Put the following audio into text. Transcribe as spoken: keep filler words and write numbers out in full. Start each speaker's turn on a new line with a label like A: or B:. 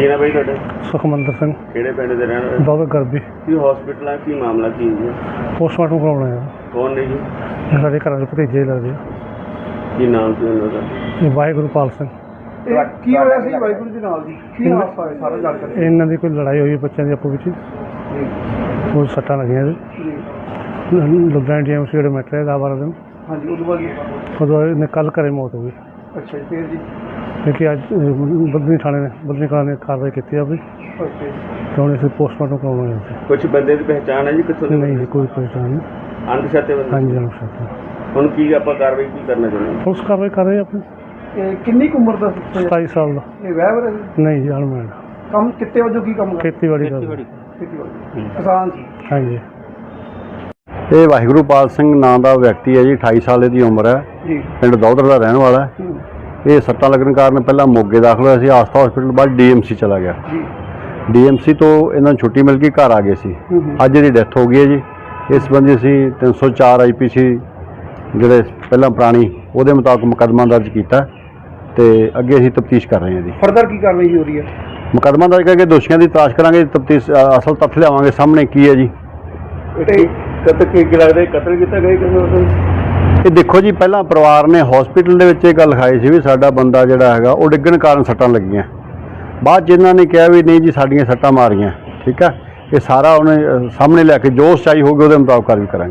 A: ਕੀ ਨਾ ਭਾਈ ਤੁਹਾਡਾ?
B: ਸੁਖਮੰਦਰ ਸਿੰਘ।
A: ਕਿਹੜੇ ਪਿੰਡ ਦੇ ਰਹਿਣ ਵਾਲੇ?
B: ਦੌਲਤ ਗਰਬੀ।
A: ਕੀ ਹਸਪੀਟਲ ਆ, ਕੀ ਮਾਮਲਾ ਕੀ ਹੈ?
B: ਪੋਸਟਮਾਰਟਮ ਕਰਾਉਣਾ ਹੈ।
A: ਕੌਣ ਨੇ ਜੀ?
B: ਸਾਡੇ ਘਰਾਂ ਦੇ ਭਤੀਜੇ ਲੱਗਦੇ ਆ।
A: ਕੀ ਨਾਮ ਸੀ ਉਹਨਾਂ ਦਾ?
B: ਇਹ ਵਾਹਿਗੁਰੂ ਪਾਲ ਸਿੰਘ।
C: ਇਹ ਕੀ ਹੋਇਆ ਸੀ ਵਾਹਿਗੁਰੂ ਦੇ ਨਾਲ ਜੀ? ਕੀ ਹਾਦਸਾ ਹੋਇਆ ਸਾਰਾ ਜਾਣਕਾਰੀ?
B: ਇਹਨਾਂ ਦੀ ਕੋਈ ਲੜਾਈ ਹੋਈ ਬੱਚਿਆਂ ਦੀ ਆਪੋ ਵਿੱਚ, ਉਹ ਸੱਟਾਂ ਲੱਗੀਆਂ ਜੀ। ਲੁਧਿਆਣਾ ਡੀ ਐਮ ਸੀ ਜਿਹੜੇ ਮੈਟਰ ਦਾ ਬਾਰਾਂ ਦਿਨ।
C: ਹਾਂਜੀ, ਉਦੋਂ ਬਾਅਦ
B: ਉਦੋਂ ਇਹਨੇ ਕੱਲ੍ਹ ਘਰੇ ਮੌਤ ਹੋ ਗਈ।
C: ਅੱਛਾ ਜੀ, ਫਿਰ ਜੀ?
B: ਕਿਉਂਕਿ ਅੱਜ ਬਦਨੀ ਥਾਣੇ ਨੇ ਬਦਨੀ ਕਲਾਂ ਨੇ ਕਾਰਵਾਈ ਕੀਤੀ ਆ ਵੀ,
C: ਓਕੇ।
B: ਤਾਂ ਹੁਣ ਅਸੀਂ ਪੋਸਟਮਾਰਟਮ ਕਰਾਉਣਾ ਹੈ।
A: ਕੁਝ ਬੰਦੇ ਦੀ ਪਹਿਚਾਣ ਹੈ ਜੀ ਕਿੱਥੋਂ ਦੀ?
B: ਨਹੀਂ ਜੀ, ਕੋਈ ਪਰੇਸ਼ਾਨ ਨਹੀਂ।
A: ਅਣਪਛਾਤੇ ਬੰਦੇ?
B: ਹਾਂਜੀ ਅਨੁਸ਼ਾਸਨ।
A: ਹੁਣ ਕੀ ਆਪਾਂ ਕਾਰਵਾਈ ਕੀ ਕਰਨਾ ਚਾਹੁੰਦੇ ਹਾਂ?
B: ਪੁਲਿਸ ਕਾਰਵਾਈ ਕਰ ਰਹੀ ਆਪਣੀ।
C: ਇਹ ਕਿੰਨੀ ਕੁ ਉਮਰ ਦਾ ਸੀ?
B: ਸਤਾਈ ਸਾਲ ਦਾ।
C: ਇਹ ਵਿਆਹ ਵਰ
B: ਨਹੀਂ ਜੀ, ਅਨਮੈਰਿਡ।
C: ਕੰਮ ਕਿੱਤੇ ਵਜੋਂ ਕੀ ਕੰਮ ਕਰਦੇ?
B: ਖੇਤੀਬਾੜੀ ਦਾ।
C: ਖੇਤੀਬਾੜੀ। ਕਿਸਾਨ ਸੀ?
B: ਹਾਂਜੀ।
D: ਇਹ ਵਾਹਿਗੁਰੂ ਪਾਲ ਸਿੰਘ ਨਾਂ ਦਾ ਵਿਅਕਤੀ ਹੈ ਜੀ, ਅਠਾਈ ਸਾਲ ਦੀ ਉਮਰ ਹੈ
C: ਜੀ।
D: ਪਿੰਡ ਦੌਧਰ ਦਾ ਰਹਿਣ ਵਾਲਾ ਹੈ। ਇਹ ਸੱਟਾਂ ਲੱਗਣ ਕਾਰਨ ਪਹਿਲਾਂ ਮੋਗੇ ਦਾਖਲ ਹੋਇਆ ਸੀ ਆਸਥਾ ਹਸਪੀਟਲ, ਬਾਅਦ ਡੀ ਐਮ ਸੀ ਚਲਾ ਗਿਆ।
C: ਜੀ।
D: ਡੀ ਐਮ ਸੀ ਤੋਂ ਇਹਨਾਂ ਨੂੰ ਛੁੱਟੀ ਮਿਲ ਗਈ, ਘਰ ਆ ਗਏ ਸੀ। ਅੱਜ ਇਹਦੀ ਡੈਥ ਹੋ ਗਈ ਹੈ ਜੀ। ਇਸ ਸੰਬੰਧੀ ਅਸੀਂ ਤਿੰਨ ਸੌ ਚਾਰ ਆਈ ਪੀ ਸੀ ਜਿਹੜੇ ਪਹਿਲਾਂ ਪੁਰਾਣੀ ਉਹਦੇ ਮੁਤਾਬਕ ਮੁਕੱਦਮਾ ਦਰਜ ਕੀਤਾ ਤੇ ਅੱਗੇ ਅਸੀਂ ਤਫਤੀਸ਼ ਕਰ ਰਹੇ ਹਾਂ ਜੀ।
C: ਫਰਦਰ ਕੀ ਕਾਰਵਾਈ ਹੋ ਰਹੀ ਹੈ?
D: ਮੁਕੱਦਮਾ ਦਰਜ ਕਰਕੇ ਦੋਸ਼ੀਆਂ ਦੀ ਤਲਾਸ਼ ਕਰਾਂਗੇ, ਤਫਤੀਸ਼ ਅਸਲ ਤੱਥ ਲਿਆਵਾਂਗੇ ਸਾਹਮਣੇ ਕੀ ਹੈ ਜੀ।
A: ਕਤਲ ਕੀ ਲੱਗਦਾ ਕਤਲ ਕੀਤਾ ਗਿਆ ਕਿਸੇ?
D: ਇਹ ਦੇਖੋ ਜੀ, ਪਹਿਲਾਂ ਪਰਿਵਾਰ ਨੇ ਹਸਪੀਟਲ ਦੇ ਵਿੱਚ ਇਹ ਗੱਲ ਲਿਖਾਈ ਸੀ ਵੀ ਸਾਡਾ ਬੰਦਾ ਜਿਹੜਾ ਹੈਗਾ ਉਹ ਡਿੱਗਣ ਕਾਰਨ ਸੱਟਾਂ ਲੱਗੀਆਂ। ਬਾਅਦ 'ਚ ਇਹਨਾਂ ਨੇ ਕਿਹਾ ਵੀ ਨਹੀਂ ਜੀ ਸਾਡੀਆਂ ਸੱਟਾਂ ਮਾਰੀਆਂ। ਠੀਕ ਹੈ, ਇਹ ਸਾਰਾ ਉਹਨੇ ਸਾਹਮਣੇ ਲਿਆ ਕੇ ਜੋ ਸੱਚਾਈ ਹੋਊਗੀ ਉਹਦੇ ਮੁਤਾਬਕ ਕਾਰਵਾਈ ਕਰਾਂਗੇ।